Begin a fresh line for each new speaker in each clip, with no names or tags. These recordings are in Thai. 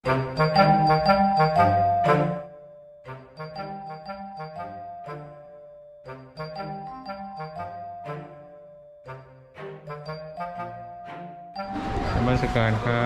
นมัสการครับ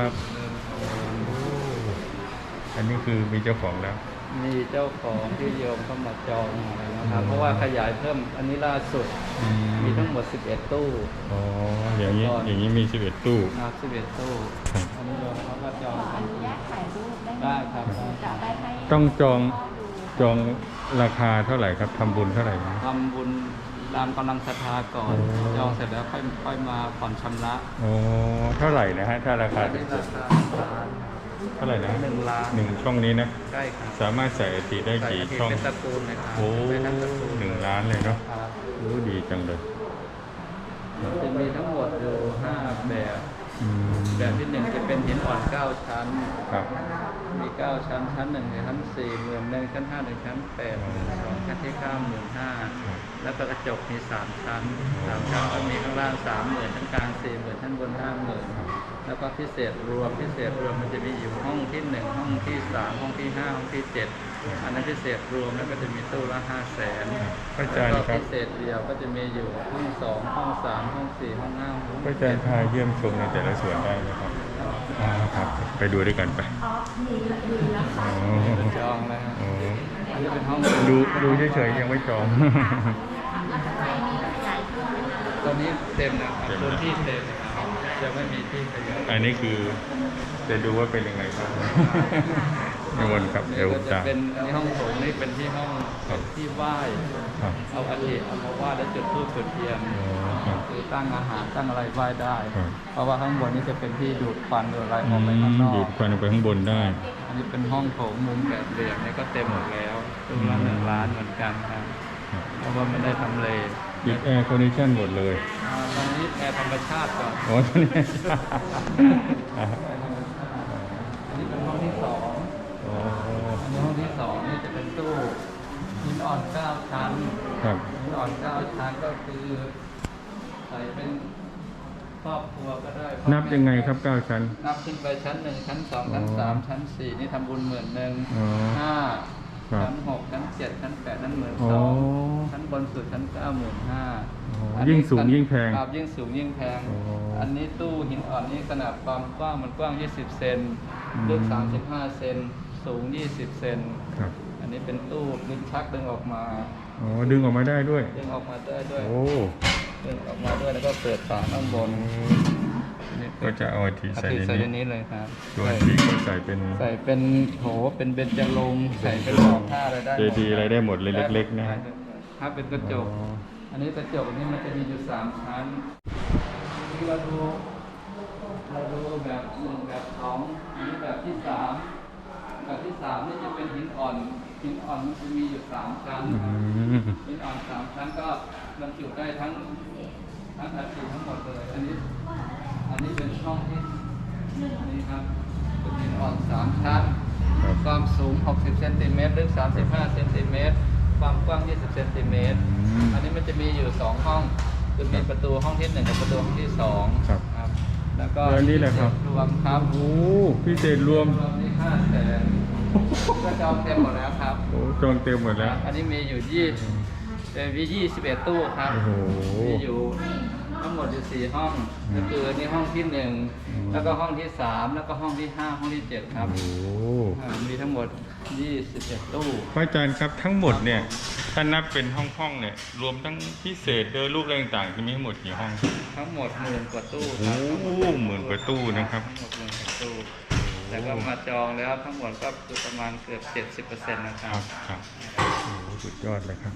อันนี้คือมีเจ้าของแล้ว
มีเจ้าของที่โยมเข้ามาจองนะครับ เพราะว่าขยายเพิ่มอันนี้ล่าสุดมีทั้งหมด11ตู้
อ๋ออย่างนี้มี11ตู้
ครับ11ตู้อันนี้โยมเขาก็จองกันได้ครับ
ต้องจองราคาเท่าไหร่ครับทำบุญเท่าไหร่
ทำบุญตามกำลังศรัทธาก่อนจองเสร็จแล้วค่อยมาผ่อนชำระ
โอ้เท่าไหร่นะฮะถ้าราคาเท่าไหร่นะ
1 ล้าน
1ช่องนี้นะ
ใช่ครับ
สามารถใส่อธิได้กี่ช่อง
เป็นตระกูลนะครับ
โอ้1 ล้านเลยเนาะรู้ดีจังเลย
จะมีทั้งหมดอยู่5แบบที่1จะเป็นหินอ่อน9ชั้น
ครับ
มี9ชั้นชั้น1ชั้น4 11,000ชั้น5 1ชั้น8 12ชั้นที่9 15,000แล้วก็กระจกมี3ชั้นก็มีข้างล่าง 30,000ชั้นกลาง 40,000ชั้นบน 50,000แล้วก็พิเศษรวมมันจะมีอยู่ห้องที่1ห้องที่3ห้องที่5ห้องที่7อันนั้นพิเศษรวมแล้วก็จะมีตู้ละ500,000แล้วก็พิเศษเดียวก็จะมีอยู่ห้อง2ห้อง3ห้อง4ห้อง5ห้อง
พระอาจารย์พาเยี่ยมชมในแต่ละส่วนได้ไหมครับครับไปดูด้วยกันไป
จองแล้วอันนี้เป็นห้อง
ดูเฉยๆยังไม่จอง
ตอนนี้เต็มนะครับพื้นที่เต็มนะครับจะไม่มีที่ขยาย
อันนี้คือจะดูว่าเป็นยังไงครับในวันครับเดี๋ยว
จะเป็นในห้องโถงนี่เป็นที่ห้องที่ไหว้เอาอาทิเอามาไหว้แล้วจุดธูปจุดเทียนคือตั้งอาหารตั้งอะไรไหว้ได้เพราะว่าข้างบนนี้จะเป็นที่ดูดควันดูอะไรออกไปข้างนอก
ดูดควันออกไปข้างบนได้
อันนี้เป็นห้องโถงมุมแบบเหลี่ยมนี่ก็เต็มหมดแล้วตู้ละ1 ล้านเหมือนกันครับเพราะว่าไม่ได้ทำเล
ปิดแอร์คอนดิชั่นหมดเลย
ตอนนี้แอร์ธรรมชาติก่อน
ตอนนี้
อันนี้เป็นห้องที่2อันนี้ห้องที่2นี่จะเป็นตู้หินอ่อน9ชั้นหินอ่อน9ชั้นก็คือใส่เป็นครอบครัวก็ได้
นับยังไงครับ9ชั้น
นับขึ้นไปชั้น1ชั้น2ชั้น3ชั้น4นี่ทำบุญ10,000 5ชั้น6ชั้น7ชั้น8นั้น12,000ชั้นบนสุดชั้น9 15,000
ยิ่งสูงยิ่งแพง
ครับยิ่งสูงยิ่งแพงอันนี้ตู้หินอ่อนนี่ขนาดความกว้างมันกว้าง20 เซนลึก35 เซนสูง20 เซนอันนี้เป็นตู้ลิ้นชักดึงออกมา
ดึงออกมาได้ด้วย
ดึงออกมาได้ด้วยดึงออกมาด้วยแล้วก็เปิดฝาข้างบน
ก็จะเอาทีใส่
ในนี้เลยครับ
ตัวทีก็ใส่
เป็นโถเป็นเบญจรงค์ใส่เป็นหอกผ้าอะไรได้
เจดีอะไรได้หมดเลยเล็กๆนะ
ถ้าเป็นกระจกอันนี้กระจกนี่มันจะมีอยู่3ชั้นที่เราดูแบบ1แบบ2อันนี้แบบที่3แบบที่3นี่จะเป็นหินอ่อนมันจะมีอยู่3ชั้นหินอ่อน3ชั้นก็บรรจุได้ทั้งอาทิทั้งหมดเลยอันนี้เป็นช่องที่นี่ครับเป็นหินอ่อน3ชั้นความสูง60 เซนติเมตรลึก35 เซนติเมตรความกว้าง20 เซนติเมตรอันนี้มันจะมีอยู่2ห้องคือมีประตูห้องที่1กับประตูห้องที่2ครับแล้วก็
นี่แหละครับ
รวมครับ
พิเศษรวม
นี่500,000ก็จองเต็มหมดแล้วครับ
จองเต็มหมดแล้ว
อันนี้มีอยู่21ตู้ครับมีอยู่ทั้งหมดอยู่4ห้องก็คือนี่ห้องที่1แล้วก็ห้องที่3แล้วก็ห้องที่5ห้องที่7ครับมีทั้งหมด21ตู้
พระอาจารย์ครับทั้งหมดเนี่ยถ้านับเป็นห้องเนี่ยรวมทั้งพิเศษโดยรูปต่างๆจะมีทั้งหมดกี่ห้อง
ทั้งหมด10,000 กว่าตู้
ครับ10,000 กว่าตู้นะครับ
ทั้งหมด10,000 กว่าตู้แล้วก็มาจองแล้วทั้งหมดก็คือประมาณเกือบ 70% นะครับ
ครับสุดยอดเลยครับ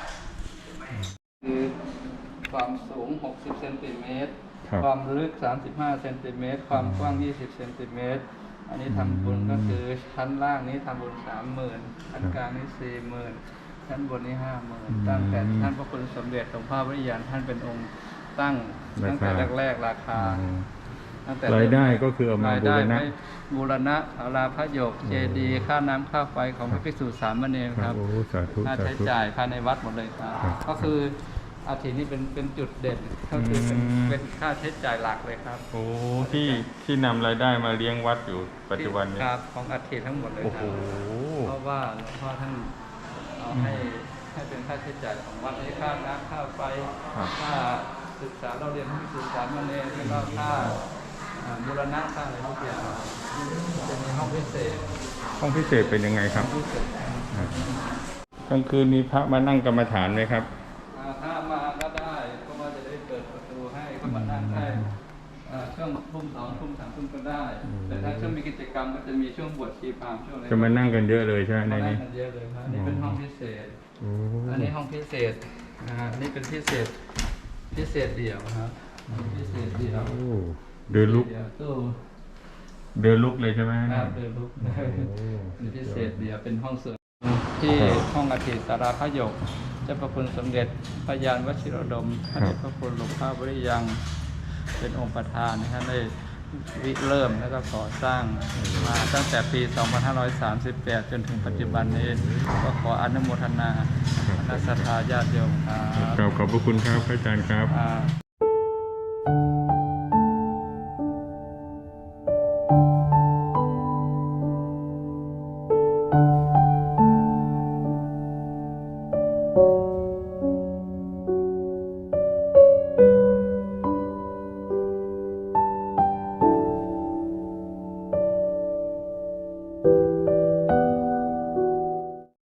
คือความสูง60 เซนติเมตรความลึก35 เซนติเมตรความกว้าง20 เซนติเมตรอันนี้ทำบุญก็คือชั้นล่างนี้ทำบุญ 30,000 ชั้นกลางนี้ 40,000 ชั้นบนนี้ 50,000ตั้งแต่ท่านพระคุณสมเด็จหลวงพ่อวิริยานท่านเป็นองค์ตั้งแต่แรกราคาร
ายได้ก็คือเอามา
บูรณะศาลาพระโยกเจดีย์ค่าน้ำค่าไฟของพระภิกษุสามเณรครับค่าใช้จ่ายภายในวัดหมดเลยครับก็คืออาทิตย์นี้เป็นจุดเด่นก็คือเป็นค่าใช้จ่ายหลักเลยครับ
โอ้ที่นำรายได้มาเลี้ยงวัดอยู่ปัจจุบันนี้
ครับของอาทิตย์ทั้งหมดเลย
โอ้
ค
โห
รับเพราะว่าหลวงพ่อท่านเอาให้เป็นค่าใช้จ่ายของวัดนี้ค่าน้ำค่าไฟ
ครับ
ค่าศึกษาเราเรียนให้ศึกษามาเนรแล้วก็ค่าบูรณะค่าอะไรทุกอย่างจะมีห้องพิเศษ
ห้องพิเศษเป็นยังไงครับ
พิเศษ
กลางคืนมีพระมานั่งกรรมฐานไหมครับ
ถ้ามาก็ได้ก็ว่าจะได้เปิดประตูให้ก็มานั่งได้ช่วงทุ่มสองทุ่มสามทุ่มก็ได้ แต่ถ้าช่วงมีกิจกรรมก็จะมีช่วงบวชชีพราหมณ์ช่วงอะไร
จะมานั่งกันเยอะเลยใช่ไหมใน
มานั่
นี้
งกันเยอะเลยครับนี่เป็นห้องพิเศษ
โอ้
อันนี้ห้องพิเศษอันนี้เป็นพิเศษเดี่ยวครับพิเศษเดี่ยว
โอ้เดินลุก
ตู้
เดินลุกเลยใช่ไหม
ครับเดินลุกเป็นพิเศษเดี่ยวเป็นห้องส่วนที่ห้องอาทิตย์สาราพระหยกเจ้าพระคุณสมเด็จพระยานวชิรดมพระเดชพระคุณหลวงพ่อบริยังเป็นองค์ประธานนะครับได้ริเริ่มแล้วก็ก่อสร้างมาตั้งแต่ปี 2538 จนถึงปัจจุบันนี้ก็ขออนุโมทนาคณะศรัทธาญาติโยมครับ
ขอบพระคุณครับอาจารย์ครับ